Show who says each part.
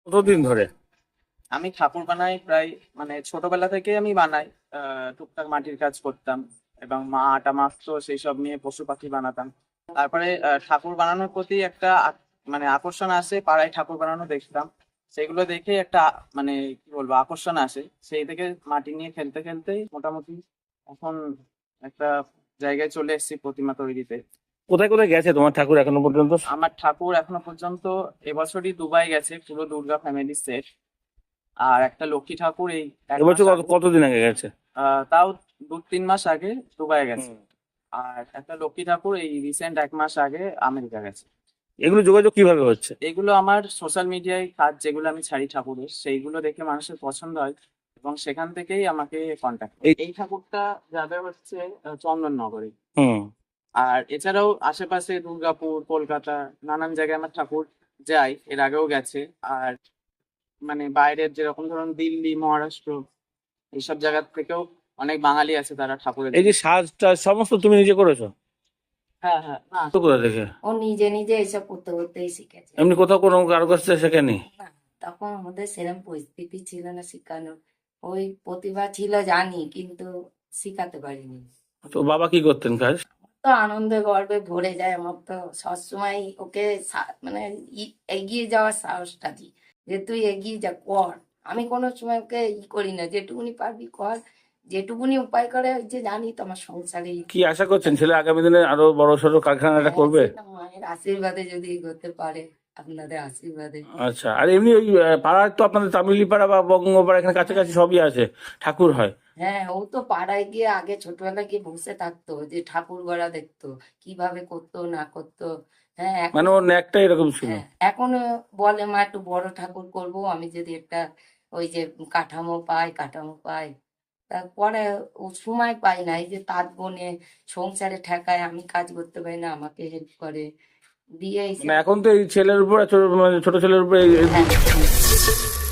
Speaker 1: কতদিন ধরে?
Speaker 2: আমি ঠাকুর বানাই প্রায়, মানে ছোটবেলা থেকে আমি বানাই। টুকটাক মাটির কাজ করতাম এবং মা আটা মাখতো, সেই সব নিয়ে পশু পাখি বানাতাম। তারপরে ঠাকুর বানানোর প্রতি একটা মানে আকর্ষণ আসে, পাড়ায় ঠাকুর বানানো দেখতাম। সেগুলো দেখে একটা মানে কি বলবো আকর্ষণ আসে, সেই থেকে মাটি নিয়ে খেলতে খেলতেই মোটামুটি এখন একটা জায়গায় চলে এসেছি প্রতিমা তৈরিতে।
Speaker 1: কোথায় কোথায় গেছে তোমার ঠাকুর এখনো পর্যন্ত?
Speaker 2: আমার ঠাকুর এখনো পর্যন্ত এবছরই দুবাই গেছে, পুরো দুর্গা ফ্যামিলি সেট। আর একটা লক্ষ্মী ঠাকুর এই এক মাস
Speaker 1: এবছর
Speaker 2: আগে,
Speaker 1: কতদিন আগে গেছে?
Speaker 2: তাও 2-3 মাস আগে দুবাই গেছে।
Speaker 1: হুম।
Speaker 2: আর একটা লক্ষ্মী ঠাকুর এই রিসেন্ট 1 মাস আগে আমেরিকা গেছে।
Speaker 1: এগুলো যোগাযোগ কিভাবে হচ্ছে?
Speaker 2: এগুলো আমার সোশ্যাল মিডিয়ায় কাজ যেগুলো আমি ছাড়ি ঠাকুরের, সেইগুলো দেখে মানুষের পছন্দ হয় এবং সেখান থেকেই আমাকে কন্ট্যাক্ট করে। এই ঠাকুরটা যাবে হচ্ছে চন্দননগরে।
Speaker 1: হুম।
Speaker 2: আর এছাড়াও আশেপাশে দুর্গাপুর, কলকাতা, নানান জায়গায় আমার ঠাকুর যায়, এর আগেও গেছে। আর মানে বাইরের যেরকম ধরুন দিল্লি, মহারাষ্ট্র, এইসব জায়গা থেকেও অনেক বাঙালি আছে, তারা ঠাকুরের
Speaker 1: এই
Speaker 2: জন্য।
Speaker 1: যে সাজটা সমস্ত তুমি নিজে করেছো?
Speaker 2: হ্যাঁ, হ্যাঁ, না,
Speaker 1: তো কোথা থেকে?
Speaker 3: ও নিজে নিজে এসব করতে করতেই শিখেছে।
Speaker 1: এমনি কোথাও কোনো কারো কাছ থেকে শেখেনি?
Speaker 3: না, তখন আমাদের সেরকম পরিস্থিতি ছিল না শেখানোর। ওই প্রতিভা ছিল জানি, কিন্তু শিখাতে পারিনি।
Speaker 1: তো বাবা কি করতেন কাজ?
Speaker 3: তো আনন্দে গর্বে ভরে যায় আমার, তো সবসময় ওকে মানে এগিয়ে যাওয়ার সাহসটা দিই, যে তুই এগিয়ে যা, কর। আমি কোনো সময় ওকে করি না, যেটুকুনি পারবি কর, যেটুকুনি উপায় করে, ওই যে জানি তো আমার সংসারে
Speaker 1: কি আশা করছেন ছেলে আগামী দিনে আরো বড় সড়ো কারখানাটা করবে?
Speaker 3: সেটা মায়ের আশীর্বাদে যদি এগোতে পারে, আপনাদের আশীর্বাদে।
Speaker 1: আচ্ছা, আর এমনি ওই পাড়ার তো আপনাদের তামিলি পাড়া বা বঙ্গপাড়া এখানে কাছাকাছি সবই আছে, ঠাকুর হয়।
Speaker 3: হ্যাঁ, ও তো পাড়ায় গিয়ে আগে ছোটবেলায় গিয়ে বসে থাকতো, যে ঠাকুর গড়া দেখতো, কিভাবে করতো না করতো। হ্যাঁ,
Speaker 1: মানে
Speaker 3: এখন
Speaker 1: ওর ন্যাকটা এরকম ছিল।
Speaker 3: হ্যাঁ এখনো বলে, মা একটু বড় ঠাকুর করব, আমি যদি একটা ওই যে কাঠামো পাই। তারপরে ও সময় পাই না, এই যে তাঁত বনে সংসারে ঠেকায়, আমি কাজ করতে পারি না, আমাকে হেল্প করে দিয়ে এসে।
Speaker 1: মানে এখন তো এই ছেলের উপর মানে ছোট ছেলের উপর
Speaker 3: হ্যাঁ।